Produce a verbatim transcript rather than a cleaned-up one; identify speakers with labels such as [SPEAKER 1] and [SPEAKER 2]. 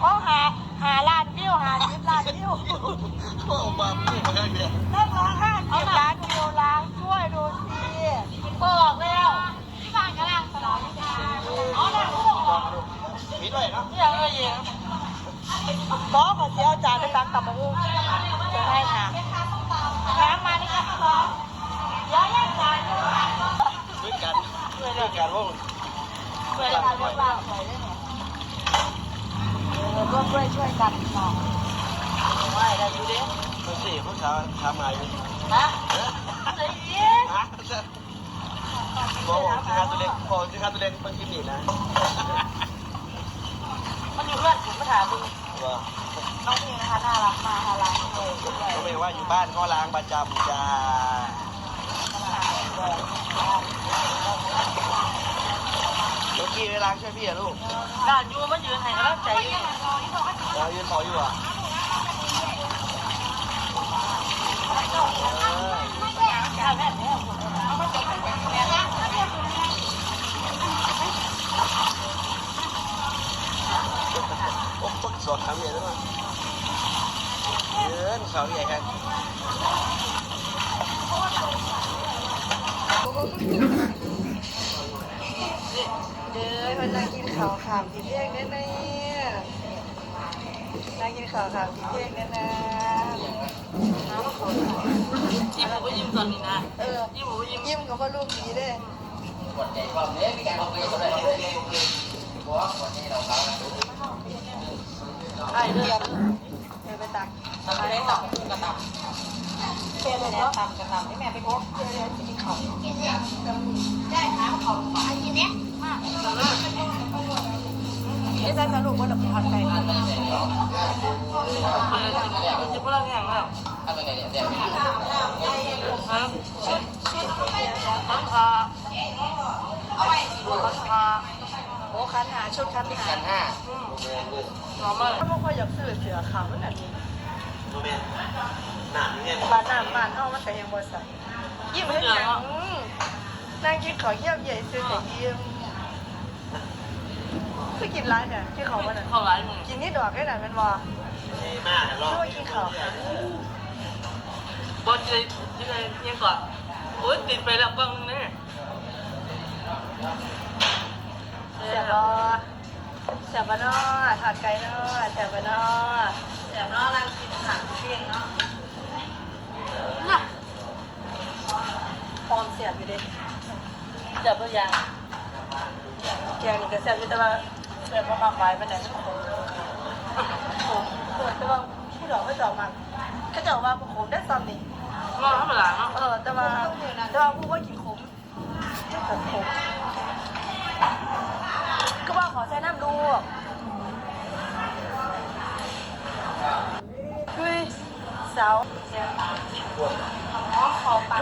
[SPEAKER 1] เขาหาหาล้านวิวหาสิบล้านวิว
[SPEAKER 2] โอ้มาพูดมาได้เลย
[SPEAKER 1] นักร้องห้าสิบล้านวิวล้างช่วยดูสิบอกแล้วที่บ้านกำลังสนองอ๋อนั่นลูก
[SPEAKER 2] มีด้วยเนาะ
[SPEAKER 1] นี่เออเองบอกขอเสียจานไปตักตับมาลูกจะให้ค่ะน้ำมานี่ค่ะสองย้ายจาน
[SPEAKER 2] ด้วยกันด้วยกันว่า
[SPEAKER 1] ช่วยกันช่วยกันร่วมด้วยช่วยกันเนาะไม่ได้ดูดิ
[SPEAKER 2] ดูสิผู้ชายทำอะไร
[SPEAKER 1] ฮะอะไรเนี่ย
[SPEAKER 2] ฮะบอกที่ขาตัวเล็กบอกที่ขาตัวเล็กมันกินหนีนะ
[SPEAKER 1] มันอยู่เพื่อนผมมาถามดู
[SPEAKER 2] ว่า
[SPEAKER 1] น้องพี่นะคะน่ารักมากน่ารักเลย
[SPEAKER 2] ก็ไม่ว่าอยู่บ้านก็ล้างประจำจ้าเมื่อกี้ไปล้างช่วยพี่อะลูก
[SPEAKER 1] ด่านยูมันยืนไหนแล้วใจยืน
[SPEAKER 2] รอยืนต่ออยู่อ่ะโอ้ต้นสดทำใหญ่ด้วยเยืนเขาใหญ่กัน
[SPEAKER 1] เด้อมันนั่งกินข้าวขามกินเองได้ไหมนั่งกินข้าวขามกินเองได้นะน้ำข้าวยิ้มผมก็ยิ้มตอนนี้นะเออยิ้มผมก็ยิ้มยิ้มกับพ่อลูกดีเด้ไอ้เรื่องเดี๋ยวไปตักตักได้ตักกระตักเพื่อนเลยนะตักกระตักให้แม่ไปพบเพื่อนเลยจะกินข้าวได้ค่ะข้าวอันนี้เนี่ยมากนี่ใส่สรุปว่าดับผัดไก่กันเลยจะพูดอะไรอย่างเงี้ยอะไรเนี่ยเดี๋ยวครับคันหาเอาไปคันหาโอ้คันหาชุดคันหาคันห้าน้องมาถ้าพวกเขาอยากซื้อเสือขาวมันแบบนี้
[SPEAKER 2] หนาเนี่ย
[SPEAKER 1] บ้านน้ำบ้านเอามันแต่ยังบ่ใส่ยิ้มให้หนังนั่งกินข้าวเยี่ยมใหญ่ซื้อแต่ยิ้มคือกินร้านเนี่ยที่เขาวันนั้นเขาร้านมึงกินนี่ดอกได้หน่อยเป็นว่า
[SPEAKER 2] ไม่มากนะรอบ
[SPEAKER 1] ช่วยกินข้าว
[SPEAKER 3] บอลจะยังไงยังก่อนโอ้ยติดไปแล้วบ้างนี่
[SPEAKER 1] เสียบอเสียบนอถอดไก่นอเสียบนอเสียบนอรังกินผักเพียงเนาะน่ะพร้อมเสียบอยู่ดิเสียบตัวอย่างแกงนี่ก็เสียบอยู่แต่ว่าเสียบมากๆไปมันไหนผมผมแต่ว่าผู้ดอกไม่ดอกมันก็จะว่าผมได้ซ้ำนี่
[SPEAKER 3] ก็ธรรมดาเนาะ
[SPEAKER 1] เออแต่ว่าแต่ว่าผู้ว่ากินขมแต่ขมก็ว่าขอใช้น้ำดูคุยสาวเนี่ยขอปาก